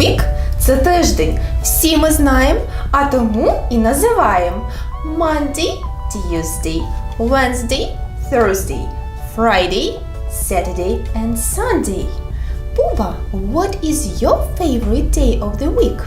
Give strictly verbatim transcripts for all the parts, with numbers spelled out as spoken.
Week – це тиждень. Всі ми знаємо, а тому і називаємо Monday – Tuesday, Wednesday – Thursday, Friday – Saturday and Sunday. Буба, what is your favorite day of the week?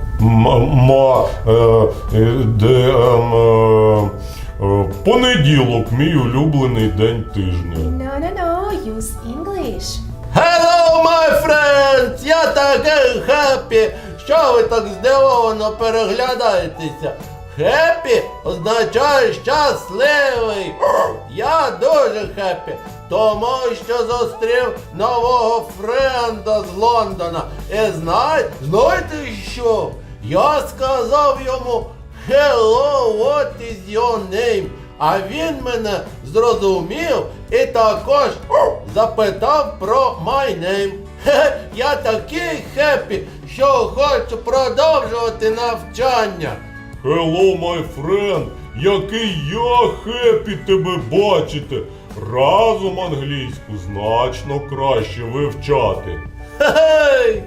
Ма, е, е, де, ем, е, е, понеділок, мій улюблений день тижня. No, no, no, use English. Hello, my friends! Я такий хеппі! Що ви так здивовано переглядаєтеся? Хеппі означає щасливий. Я дуже хеппі, тому що зустрів нового френда з Лондона. І знає, знаєте що? Я сказав йому Hello, what is your name? А він мене зрозумів і також запитав про my name. Хе, я такий хеппі, що хочу продовжувати навчання. Hello, my friend! Який я хеппі тебе бачити! Разом англійську значно краще вивчати. Хе-хей!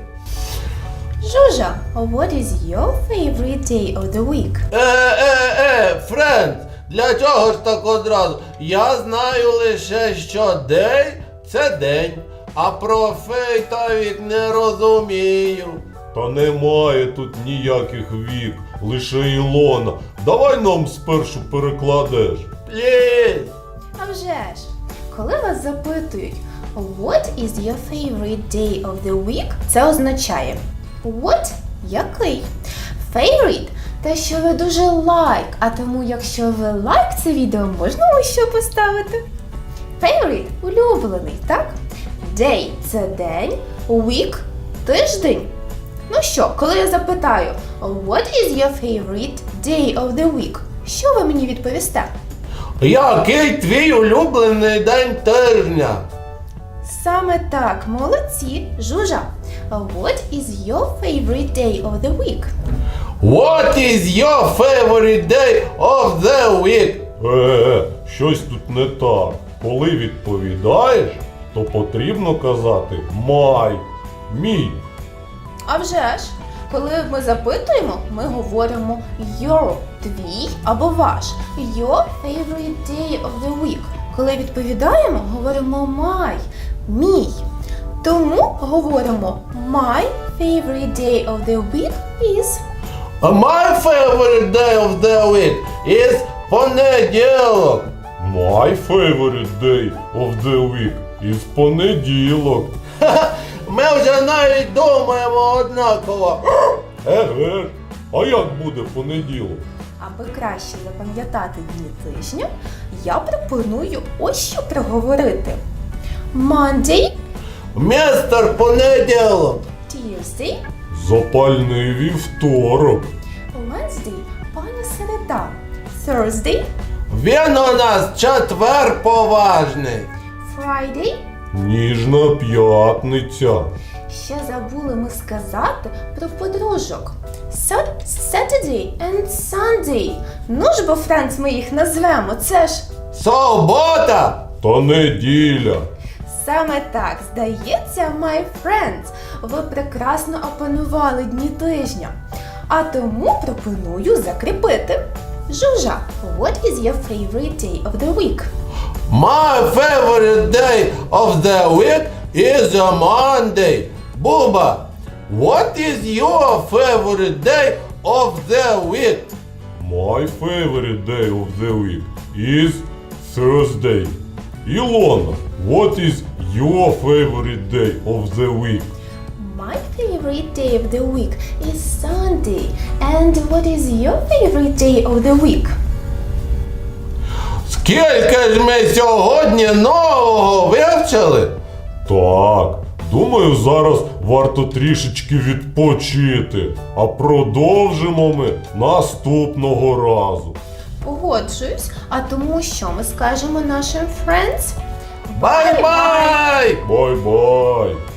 Жужа, what is your favorite day of the week? Е-е-е, френд, для чого ж так одразу? Я знаю лише, що день – це день, а про фей та вік не розумію. Та немає тут ніяких вік, лише Ілона. Давай нам спершу перекладеш. Пліз! А вже ж, коли вас запитують What is your favorite day of the week? Це означає What – який? Favorite – те, що ви дуже like, а тому якщо ви like це відео, можна ось що поставити. Favorite – улюблений, так? Day – це день, week – тиждень. Ну що, коли я запитаю What is your favorite day of the week? Що ви мені відповісте? Який твій улюблений день тижня? Саме так, молодці, Жужа. What is your favorite day of the week? What is your favorite day of the week? Е, щось тут не так. Коли відповідаєш, то потрібно казати my, мій. А вже ж, коли ми запитуємо, ми говоримо your, твій або ваш. Your favorite day of the week. Коли відповідаємо, говоримо my, мій. Тому говоримо my favorite day of the week is... My favorite day of the week is понеділок. My favorite day of the week is понеділок. Ха-ха, ми вже навіть думаємо однаково. Еге ж, а як буде понеділок? Аби краще запам'ятати дні тижня, я пропоную ось що проговорити. Monday, Містер понеділок. Tuesday, Запальний вівторок. Wednesday, пані середа, Thursday, Він у нас четвер поважний. Friday. Ніжна п'ятниця. Ще забули ми сказати про подружок. Sat- Saturday and Sunday. Ну ж бо, Френц, ми їх назвемо, це ж... Субота. Та неділя. Саме так, здається, my friends, ви прекрасно опанували дні тижня. А тому пропоную закріпити. Жужа, what is your favorite day of the week? My favorite day of the week is a Monday. Буба, what is your favorite day of the week? My favorite day of the week is Thursday. Ілона, what is your favorite day of the week? My favorite day of the week is Sunday. And what is your favorite day of the week? Скільки ж ми сьогодні нового вивчили? Так, думаю, зараз варто трішечки відпочити, а продовжимо ми наступного разу. Погоджуюсь, а тому що ми скажемо нашим friends? Бай-бай! Бай-бай!